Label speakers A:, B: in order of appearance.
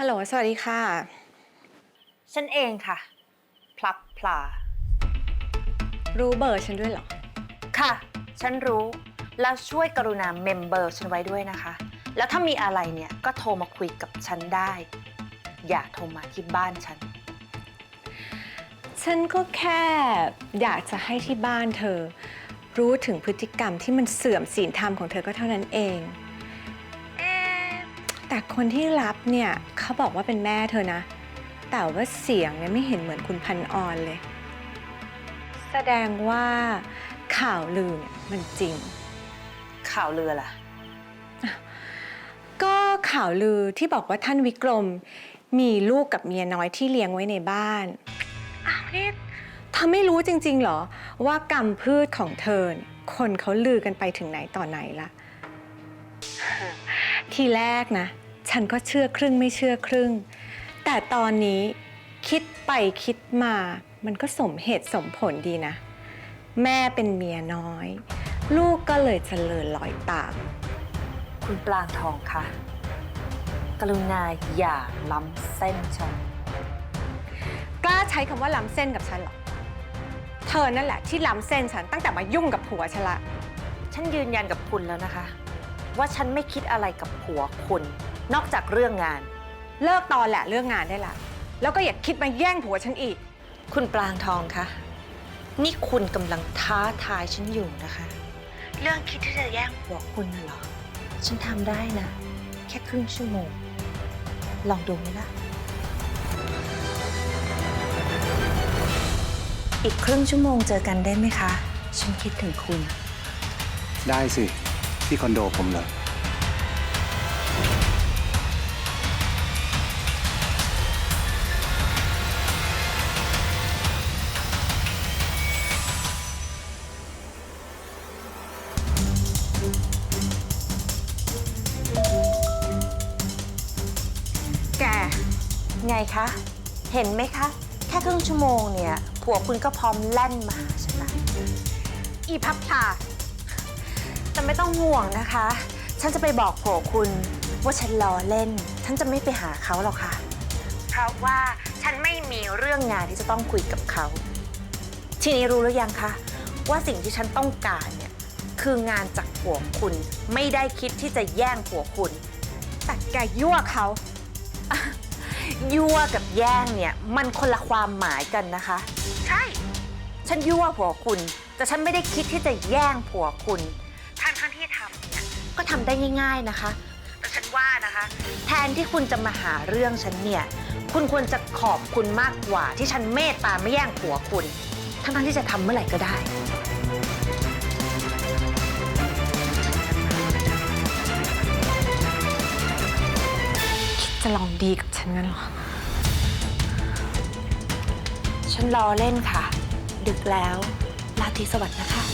A: ฮัลโหลสวัสดีค่ะ
B: ฉันเองค่ะ พลับพลา
A: รู้เบอร์ฉันด้วยเหรอ
B: ค่ะ ฉันรู้ แล้วช่วยกรุณาเมมเบอร์ฉันไว้ด้วยนะคะ แล้วถ้ามีอะไรเนี่ยก็โทรมาคุยกับฉันได้ อย่าโทรมาที่บ้านฉัน
A: ฉันก็แค่อยากจะให้ที่บ้านเธอ รู้ถึงพฤติกรรมที่มันเสื่อมศีลธรรมของเธอก็เท่านั้นเองแต่คนที่รับเนี่ยเขาบอกว่าเป็นแม่เธอนะ แต่ว่าเสียงเนี่ยไม่เห็นเหมือนคุณพันออนเลย แสดงว่าข่าวลือเนี่ยมันจริง
B: ข่าวลือล่ะ
A: ก็ข่าวลือที่บอกว่าท่านวิกรมมีลูกกับเมียน้อยที่เลี้ยงไว้ในบ้านอ้าวนี่เธอไม่รู้จริงๆเหรอว่ากรรมพืชของเธอคนเขาลือกันไปถึงไหนต่อไหนละทีแรกนะฉันก็เชื่อครึ่งไม่เชื่อครึ่งแต่ตอนนี้คิดไปคิดมามันก็สมเหตุสมผลดีนะแม่เป็นเมียน้อยลูกก็เลยเจริญรอยตาม
B: คุณปลางทองคะกรุณาอย่าล้ำเส้นฉัน
A: กล้าใช้คำว่าล้ำเส้นกับฉันเหรอเธอนั่นแหละที่ล้ำเส้นฉันตั้งแต่มายุ่งกับผัวฉันละ
B: ฉันยืนยันกับคุณแล้วนะคะ ว่าฉันไม่คิดอะไรกับผัวคุณ นอกจากเรื่องงาน
A: เลิกตอนแหละเรื่องงานได้ละแล้วก็อย่าคิดมาแย่งผัวฉันอีก
B: คุณปลางทองคะนี่คุณกำลังท้าทายฉันอยู่นะคะ เรื่องคิดที่จะแย่งผัวคุณน่ะเหรอฉันทำได้นะ แค่ครึ่งชั่วโมง ลองดูไหมล่ะ อีกครึ่งชั่วโมงเจอกันได้ไหมคะ ฉันคิดถึงคุณ
C: ได้สิ ที่คอนโดผมเลย
A: แก
B: ไงคะ เห็นไหมคะ แค่ครึ่งชั่วโมงเนี่ยผัวคุณก็พร้อมแล่นมาหาฉันละ
A: อีพับพลา
B: แต่ไม่ต้องห่วงนะคะ ฉันจะไปบอกผัวคุณว่าฉันล้อเล่น ฉันจะไม่ไปหาเขาหรอกค่ะ เพราะว่าฉันไม่มีเรื่องงานที่จะต้องคุยกับเขา ทีนี้รู้หรือยังคะว่าสิ่งที่ฉันต้องการเนี่ยคืองานจากผัวคุณ ไม่ได้คิดที่จะแย่งผัวคุณ
A: แต่แกยั่วเขา
B: ยั่วกับแย่งเนี่ยมันคนละความหมายกันนะคะ ใช่ ฉันยั่วผัวคุณ แต่ฉันไม่ได้คิดที่จะแย่งผัวคุณทั้งที่ทำเนี่ยก็ทำได้ง่ายๆนะคะ แต่ฉันว่านะคะ แทนที่คุณจะมาหาเรื่องฉันเนี่ยคุณควรจะขอบคุณมากกว่าที่ฉันเมตตาไม่แย่งผัวคุณทั้งที่จะทำเมื่อไหร่ก็ได้
A: จะลองดีกับฉันงั้นเหรอ
B: ฉันรอเล่นค่ะ ดึกแล้วราตรีสวัสดิ์นะคะ